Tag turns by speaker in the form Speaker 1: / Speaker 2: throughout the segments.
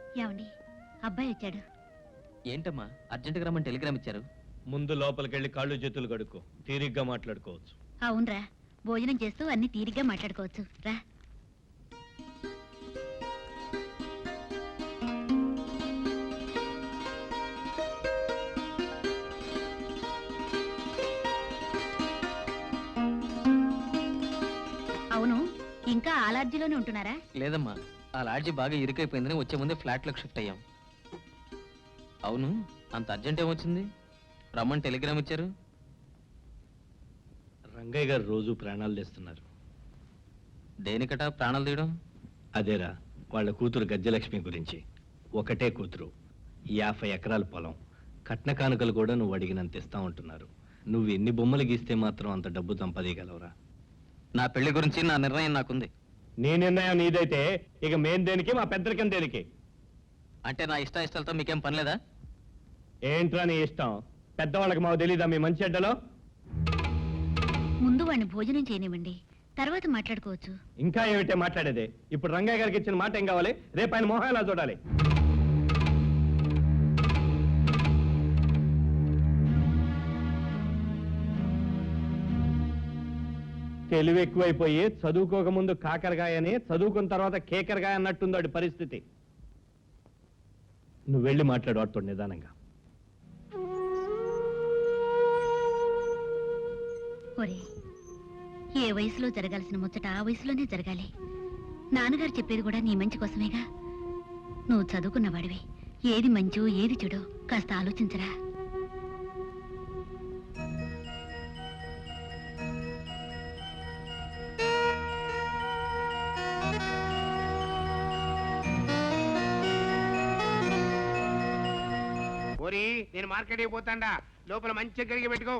Speaker 1: ఏమండి, అబ్బాయి వచ్చాడు.
Speaker 2: ఏంటమ్మా అర్జెంటుగా రమ్మని టెలిగ్రామ్ ఇచ్చారు?
Speaker 3: ముందు లోపలికెళ్ళి కాళ్ళు చేతులు కడుక్కో, తీరిగ్గా మాట్లాడుకోవచ్చు.
Speaker 1: అవునరా, భోజనం చేస్తూ అన్ని తీరిగ్గా మాట్లాడుకోవచ్చు. రా. అవును, ఇంకా ఆ లాడ్జిలోనే ఉంటున్నారా?
Speaker 2: లేదమ్మా, ఆ లాడ్జి బాగా ఇరుకైపోయిందని వచ్చే ముందే ఫ్లాట్లోకి షిఫ్ట్ అయ్యాం. అవును, అంత అర్జెంట్ ఏమొచ్చింది? రమ్మని టెలిగ్రామ్ ఇచ్చారు.
Speaker 3: రంగయ్య గారు రోజు ప్రాణాలు తెస్తున్నారు.
Speaker 2: దేనికట ప్రాణాలు తీయడం?
Speaker 3: అదేరా, వాళ్ళ కూతురు గజ్జలక్ష్మి గురించి. ఒకటే కూతురు, 50 ఎకరాల పొలం, కట్న కానుకలు కూడా నువ్వు అడిగినంత ఇస్తా ఉంటున్నారు. నువ్వు ఎన్ని బొమ్మలు గీస్తే మాత్రం అంత డబ్బు సంపాదీయగలవురా?
Speaker 2: నా పెళ్లి గురించి నా నిర్ణయం నాకుంది.
Speaker 3: నీ నిర్ణయం నీదైతే ఇక మేం దేనికి, మా పెద్దరికం దేనికి?
Speaker 2: అంటే నా ఇష్టాలతో మీకేం పని లేదా?
Speaker 3: ఏంట్రా నీ ఇష్టం? పెద్దవాళ్ళకి మాకు తెలీదా మీ మంచి అడ్డలో?
Speaker 1: ముందు వాడిని భోజనం చేయనివ్వండి, తర్వాత మాట్లాడుకోవచ్చు.
Speaker 3: ఇంకా ఏమిటే మాట్లాడేది? ఇప్పుడు రంగయ్య గారికి ఇచ్చిన మాట ఏం కావాలి? రేపు ఆయన మొహం ఎలా చూడాలి? తెలివి ఎక్కువైపోయి చదువుకోకముందు కాకరకాయని, చదువుకున్న తర్వాత కేకరకాయ అన్నట్టుంది వాడి పరిస్థితి. నువ్వు వెళ్ళి మాట్లాడు వాడితో నిదానంగా.
Speaker 1: ఒరే, ఏ వయసులో జరగాల్సిన ముచ్చట ఆ వయసులోనే జరగాలి. నాన్నగారు చెప్పేది కూడా నీ మంచి కోసమేగా. నువ్వు చదువుకున్నవాడివి, ఏది మంచో ఏది చెడో కాస్త ఆలోచించరా.
Speaker 4: నేను మార్కెట్ పోతాండా, లోపల మంచిగా కడిగి పెట్టుకో.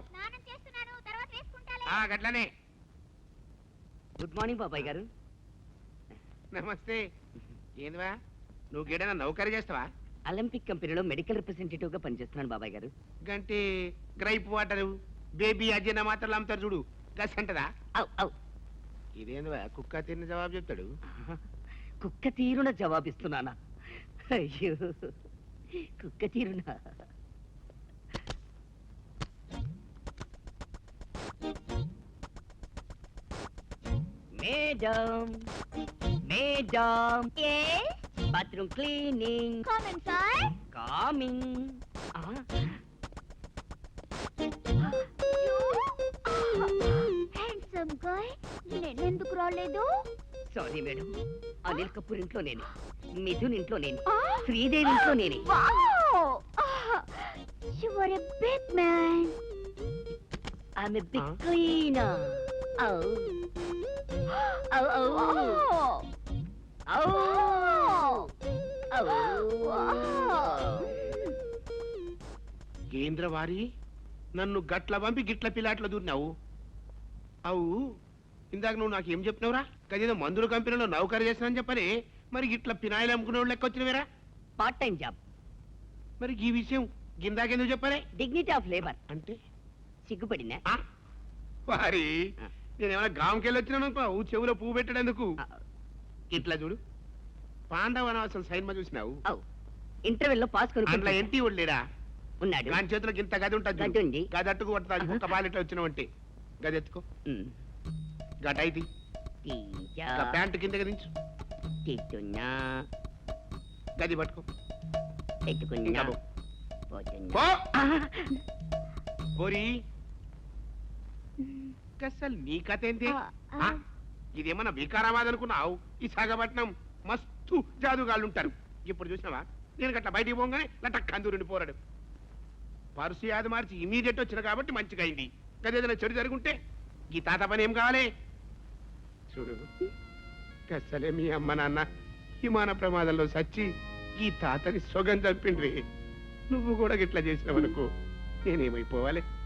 Speaker 4: గట్లనే.
Speaker 5: గుడ్ మార్నింగ్ బాబాయ్ గారు.
Speaker 4: నమస్తే. ఏందివా, నువ్వు గేడైనా నౌకరీ చేస్తావా?
Speaker 5: ఒలింపిక్ కంపెనీలో మెడికల్ రిప్రజెంటేటివ్ గా పనిచేస్తున్నాను బాబాయ్ గారు.
Speaker 4: గంటే గ్రైప్ వాటర్, బేబీ అజ్జన మాత్రలు అమ్ముతారు చూడు, గస్ అంటదా? ఇదేందివా, కుక్క తిన్న జవాబు చెప్తాడు.
Speaker 5: కుక్క తీరున జవాబిస్తున్నానా? అయ్యో, కుక్క తీరున. Madam, madam, bathroom cleaning. Coming.
Speaker 6: Handsome guy, నేనెందుకు రాలేదు?
Speaker 5: సారీ మేడం, అనిల్ కపూర్ ఇంట్లో నేను, మిథున్ ఇంట్లో నేను, శ్రీదేవి ఇంట్లో నేనే.
Speaker 6: You are a big man.
Speaker 5: I'm a big cleaner. Oh. Oh, oh. Oh. Oh.
Speaker 4: కేంద్రవారి, నన్ను గట్ల పంపి గిట్ల పిల్లాట్లో దూరినావు. అవు, ఇందాక నువ్వు నాకు ఏం చెప్పినవురా? కదేదో మందుల కంపెనీలో నౌకరీ చేస్తానని చెప్పని, మరి గిట్ల పినాయిలు అమ్ముకునే వాళ్ళు లెక్క వచ్చినవేరా?
Speaker 5: Part time job.
Speaker 4: మరి ఈ విషయం గిందాకెందుకు చెప్పాలి?
Speaker 5: డిగ్నిటీ ఆఫ్ లేబర్
Speaker 4: అంటే
Speaker 5: సిగ్గుపడినా?
Speaker 4: వారి, నేనేమైనా గ్రామంకెళ్ళి వచ్చినాను అనుకో, చెవులో పువ్వు పెట్టడేందుకు. ఇట్లా చూడు, పాండవ అనవసరం సైన్మా చూసినావు.
Speaker 5: ఇంటర్వెల్ లో పాస్
Speaker 4: అందులో ఎంటి లేడా?
Speaker 5: ఉన్నాడు.
Speaker 4: దాని చేతిలో ఇంత గది ఉంటుంది, గది అట్టుకు కొట్టదు. ఒక్క పాలు ఇట్లా వచ్చినావు అంటే గది ఎత్తుకో. గటైది ప్యాంటు కింద దించు, గది పట్టుకో. అసలు నీ కథ ఏంటి? ఇదేమన్నా వికారాబాద్ అనుకున్నావు? ఈ సాగపట్నం మస్తు జాదుగాళ్ళు ఉంటారు. ఇప్పుడు చూసినావా, నేను గట్లా బయటికి పోగానే లటక్ కందూరుని పోరాడు. పరుసు యాది మార్చి ఇమీడియట్ వచ్చిన కాబట్టి మంచిగా అయింది. గదేదైనా చెడు జరుగుంటే ఈ తాత పని ఏం కావాలి? చూడు, అసలే మీ అమ్మ నాన్న విమాన ప్రమాదంలో సచ్చి ఈ తాతని సొగం చంపిండ్రి. నువ్వు కూడా గిట్లా చేసినావనుకో, నేనేమైపోవాలి?